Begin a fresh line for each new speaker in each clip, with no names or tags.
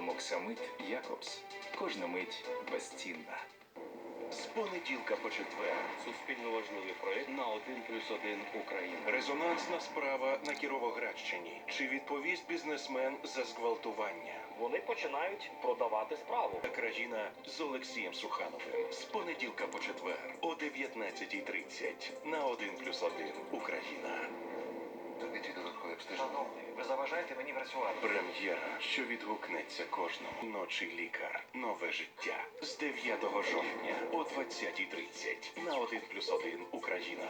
Ромоксамид Якобс. Кожна мить безцінна.
З понеділка по четвер.
Суспільно важливий проєкт на 1+1 Україна.
Резонансна справа на Кіровоградщині. Чи відповість бізнесмен за зґвалтування?
Вони починають продавати справу.
Країна з Олексієм Сухановим. З понеділка по четвер о 19:30 на 1+1 Україна.
Робіть додаткові обстеження.
Шановний, ви заважаєте мені працювати.
Прем'єра, що відгукнеться кожному. Ночі лікар. Нове життя. З 9 жовтня о 20:30 на 1+1 Україна.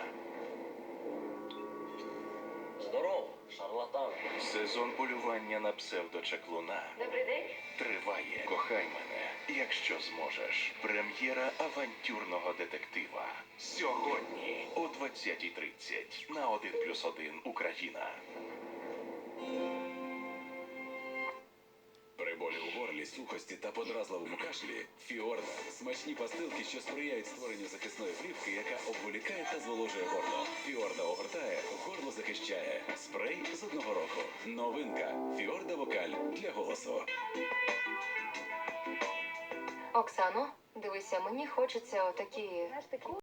Здорово, шарлатан.
Сезон полювання на псевдочаклуна
Добрий день.
триває. Кохай мене, якщо зможеш. Прем'єра авантюрного детектива. Сьогодні о 20:30 на 1+1 Україна.
При болі у горлі, сухості та подразливому кашлі Фіорда – смачні пастилки, що сприяють створенню захисної плівки, яка обволікає та зволожує горло. Фіорда огортає, горло захищає. Спрей з одного року. Новинка. Фіорда Вокаль для голосу.
Оксано, дивися, мені хочеться отакі